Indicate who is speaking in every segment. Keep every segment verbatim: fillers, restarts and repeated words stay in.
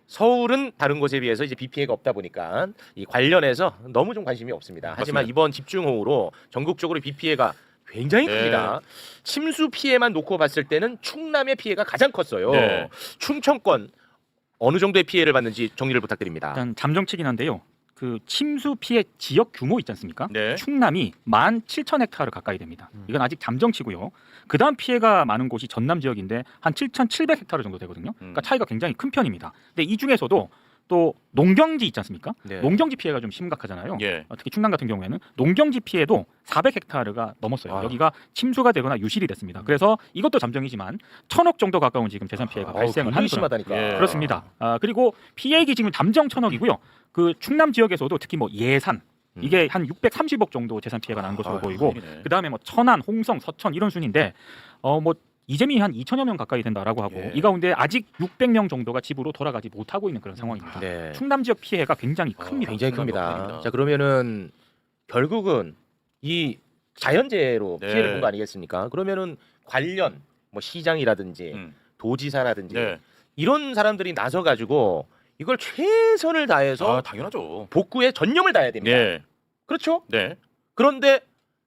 Speaker 1: 서울은 다른 곳에 비해서 이제 비 피해가 없다 보니까 이 관련해서 너무 좀 관심이 없습니다. 하지만
Speaker 2: 맞습니다.
Speaker 1: 이번 집중호우로 전국적으로 비 피해가 굉장히
Speaker 2: 네.
Speaker 1: 큽니다. 침수 피해만 놓고 봤을 때는 충남의 피해가 가장 컸어요.
Speaker 2: 네.
Speaker 1: 충청권 어느 정도의 피해를 받는지 정리를 부탁드립니다.
Speaker 3: 일단 잠정치긴 한데요. 그 침수 피해 지역 규모 있지 않습니까?
Speaker 2: 네.
Speaker 3: 충남이 만 칠천 헥타르 가까이 됩니다. 이건 아직 잠정치고요. 그다음 피해가 많은 곳이 전남 지역인데 한 칠천칠백 헥타르 정도 되거든요. 그러니까 차이가 굉장히 큰 편입니다. 근데 이 중에서도 또 농경지 있지 않습니까?
Speaker 1: 네.
Speaker 3: 농경지 피해가 좀 심각하잖아요.
Speaker 2: 예.
Speaker 3: 어, 특히 충남 같은 경우에는 농경지 피해도 사백 헥타르가 넘었어요.
Speaker 1: 아.
Speaker 3: 여기가 침수가 되거나 유실이 됐습니다. 그래서 이것도 잠정이지만 천억 정도 가까운 지금 재산 피해가
Speaker 1: 아우,
Speaker 3: 발생을
Speaker 1: 굉장히
Speaker 3: 하는 그런
Speaker 1: 심하다니까.
Speaker 2: 예.
Speaker 3: 그렇습니다. 아, 그리고 피해액이 지금 잠정 천억이고요. 그 충남 지역에서도 특히 뭐 예산 이게 한 육백삼십억 정도 재산 피해가 난 것으로
Speaker 2: 아,
Speaker 3: 보이고
Speaker 2: 큰일이네.
Speaker 3: 그다음에 뭐 천안, 홍성, 서천 이런 순인데 어 뭐 이재민이 한 이천여 명 가까이 된다라고 하고
Speaker 2: 예.
Speaker 3: 이 가운데 아직 육백 명 정도가 집으로 돌아가지 못하고 있는 그런 상황입니다.
Speaker 1: 네.
Speaker 3: 충남 지역 피해가 굉장히
Speaker 2: 아,
Speaker 3: 큽니다.
Speaker 1: 굉장히
Speaker 2: 충남도
Speaker 1: 큽니다.
Speaker 2: 큽니다.
Speaker 1: 자 그러면은 결국은 이 자연재해로
Speaker 2: 네.
Speaker 1: 피해를 본 거 아니겠습니까? 그러면은 관련 뭐 시장이라든지
Speaker 2: 음.
Speaker 1: 도지사라든지
Speaker 2: 네.
Speaker 1: 이런 사람들이 나서 가지고 이걸 최선을 다해서
Speaker 2: 아, 당연하죠.
Speaker 1: 복구에 전념을 다해야 됩니다.
Speaker 2: 네.
Speaker 1: 그렇죠?
Speaker 2: 네.
Speaker 1: 그런데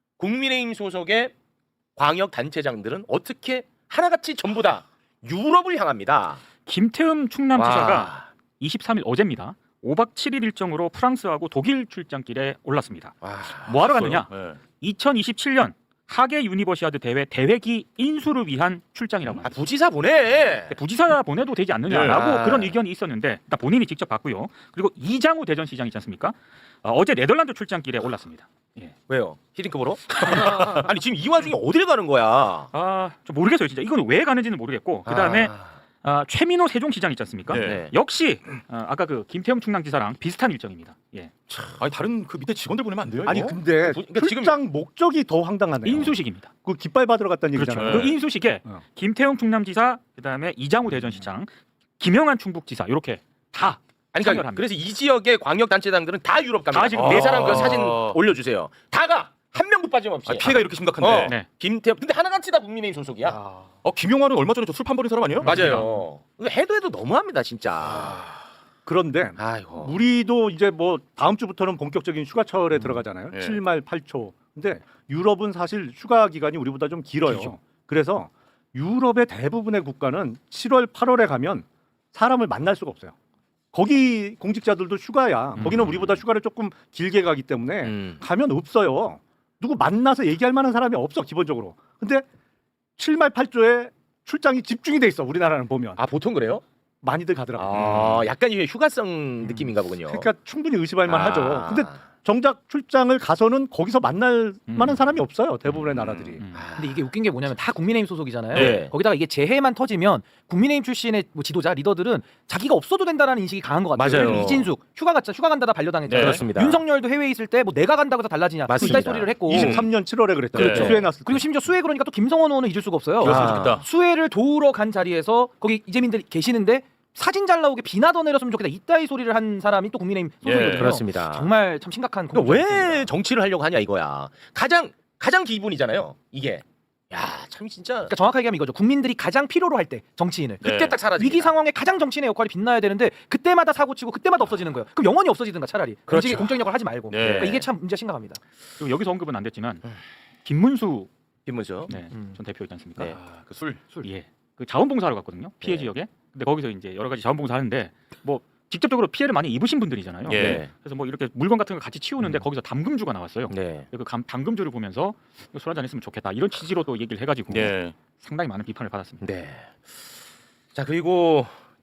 Speaker 1: 국민의힘 소속의 광역 단체장들은 어떻게 하나같이 전부 다 유럽을 향합니다.
Speaker 3: 김태흠 충남지사가
Speaker 1: 와.
Speaker 3: 이십삼 일 어제입니다. 오박 칠일 일정으로 프랑스하고 독일 출장길에 올랐습니다.
Speaker 1: 와.
Speaker 3: 뭐 하러 갔느냐?
Speaker 2: 네.
Speaker 3: 이천이십칠 년 하계 유니버시아드 대회 대회기 인수를 위한 출장이라고
Speaker 1: 아,
Speaker 3: 합니다.
Speaker 1: 부지사 보내.
Speaker 3: 부지사 보내도 되지 않느냐라고
Speaker 1: 네. 아.
Speaker 3: 그런 의견이 있었는데 일단 본인이 직접 봤고요. 그리고 이장우 대전시장 있지 않습니까? 어, 어제 네덜란드 출장길에 올랐습니다. 예.
Speaker 1: 왜요? 히딩크 보러? 아니 지금 이 와중에 어디를 가는 거야?
Speaker 3: 아, 좀 모르겠어요, 진짜. 이건 왜 가는지는 모르겠고. 그다음에
Speaker 1: 아.
Speaker 3: 아, 최민호 세종시장 있지 않습니까?
Speaker 2: 네.
Speaker 1: 네.
Speaker 3: 역시 어, 아까 그 김태형 충남지사랑 비슷한 일정입니다. 예.
Speaker 2: 아니 다른 그 밑에 직원들 보내면 안 돼요?
Speaker 4: 아니
Speaker 2: 이거?
Speaker 4: 근데
Speaker 1: 부- 그러니까 지금-
Speaker 4: 출장 목적이 더 황당하네요.
Speaker 3: 인수식입니다.
Speaker 4: 그 깃발 받으러 갔다는
Speaker 3: 그렇죠.
Speaker 4: 얘기잖아요.
Speaker 3: 그 인수식에
Speaker 4: 어.
Speaker 3: 김태형 충남지사, 그다음에 이장우 대전시장, 김영한 충북지사 이렇게 다
Speaker 1: 아니
Speaker 3: 참여를
Speaker 1: 그러니까
Speaker 3: 합니다.
Speaker 1: 그래서 이 지역의 광역 단체장들은 다 유럽 갑니다.
Speaker 3: 다 지금
Speaker 1: 네
Speaker 3: 아.
Speaker 1: 사람 그 사진 올려주세요. 다가 한 명도 빠짐없이.
Speaker 2: 아, 피해가 이렇게 심각한데.
Speaker 1: 어.
Speaker 3: 네.
Speaker 1: 김태형 근데 하나같이 다 국민의힘 소속이야.
Speaker 4: 아,
Speaker 2: 어, 김용환은 얼마 전에 저 술 판버린 사람 아니에요?
Speaker 1: 맞아요. 이거 해도 해도 너무합니다 진짜.
Speaker 4: 그런데
Speaker 1: 아이고.
Speaker 4: 우리도 이제 뭐 다음 주부터는 본격적인 휴가철에 들어가잖아요.
Speaker 2: 네.
Speaker 4: 칠 말 팔 초. 근데 유럽은 사실 휴가 기간이 우리보다 좀 길어요.
Speaker 3: 길죠.
Speaker 4: 그래서 유럽의 대부분의 국가는 칠월 팔월에 가면 사람을 만날 수가 없어요. 거기 공직자들도 휴가야.
Speaker 3: 음.
Speaker 4: 거기는 우리보다 휴가를 조금 길게 가기 때문에
Speaker 1: 음.
Speaker 4: 가면 없어요. 누구 만나서 얘기할 만한 사람이 없어 기본적으로. 근데 칠 말 팔 초에 출장이 집중이 돼 있어. 우리나라는 보면
Speaker 1: 아 보통 그래요?
Speaker 4: 많이들 가더라고.
Speaker 1: 아 약간 이게 휴가성 느낌인가 보군요.
Speaker 4: 그러니까 충분히 의심할
Speaker 1: 아.
Speaker 4: 만하죠. 근데 정작 출장을 가서는 거기서 만날
Speaker 3: 음.
Speaker 4: 만한 사람이 없어요. 대부분의 나라들이.
Speaker 3: 음.
Speaker 1: 아.
Speaker 5: 근데 이게 웃긴 게 뭐냐면 다 국민의힘 소속이잖아요.
Speaker 1: 네.
Speaker 5: 거기다가 이게 재해만 터지면 국민의힘 출신의 뭐 지도자 리더들은 자기가 없어도 된다는 인식이 강한 것 같아요.
Speaker 1: 맞아요.
Speaker 5: 예를 들면 이진숙 휴가 갔자 휴가 간다다 반려당했잖아요.
Speaker 2: 네.
Speaker 1: 그렇습니다.
Speaker 5: 윤석열도 해외에 있을 때 뭐 내가 간다고 해서 달라지냐
Speaker 1: 맞습니다.
Speaker 5: 이따위 소리를 했고
Speaker 4: 이십삼 년 칠월에 그랬잖아요.
Speaker 2: 그렇죠.
Speaker 4: 수해 났을 때.
Speaker 5: 그리고 심지어 수해 그러니까 또 김성원 의원은 잊을 수가 없어요.
Speaker 2: 그랬으면
Speaker 1: 아.
Speaker 2: 좋겠다.
Speaker 5: 수해를 도우러 간 자리에서 거기 이재민들 계시는데 사진 잘 나오게 비나 더 내렸으면 좋겠다 이따위 소리를 한 사람이 또 국민의힘 소속이거든요.
Speaker 2: 예,
Speaker 1: 그렇습니다.
Speaker 5: 정말 참 심각한
Speaker 1: 그러니까 왜
Speaker 5: 공격입니다.
Speaker 1: 정치를 하려고 하냐 이거야. 가장 가장 기분이잖아요. 이게. 야 참 진짜.
Speaker 5: 그러니까 정확하게 하면 이거죠. 국민들이 가장 필요로 할 때 정치인을
Speaker 2: 네.
Speaker 1: 그때 딱 사라지.
Speaker 5: 위기 상황에 가장 정치인의 역할이 빛나야 되는데 그때마다 사고 치고 그때마다 없어지는 거예요. 그럼 영원히 없어지든가 차라리.
Speaker 1: 그렇죠.
Speaker 5: 공직, 공적인 역할 하지 말고.
Speaker 2: 네.
Speaker 5: 그러니까 이게 참 문제가 심각합니다.
Speaker 3: 그리고 여기서 언급은 안 됐지만 김문수
Speaker 1: 김문수.
Speaker 3: 네,
Speaker 5: 음.
Speaker 3: 전 대표 있지 않습니까?
Speaker 1: 네.
Speaker 2: 아, 그 술.
Speaker 3: 술. 예. 그 자원봉사하러 갔거든요. 피해
Speaker 1: 네.
Speaker 3: 지역에. 근데 거기서 이제 여러 가지 자원봉사 하는데 뭐 직접적으로 피해를 많이 입으신 분들이잖아요.
Speaker 2: 예.
Speaker 1: 네.
Speaker 3: 그래서 뭐 이렇게 물건 같은 거 같이 치우는데
Speaker 1: 음.
Speaker 3: 거기서 담금주가 나왔어요.
Speaker 1: 네.
Speaker 3: 그 감- 담금주를 보면서 술 한잔 했으면 좋겠다 이런 취지로 또 얘기를 해가지고
Speaker 2: 예.
Speaker 3: 상당히 많은 비판을 받았습니다.
Speaker 1: 네. 자 그리고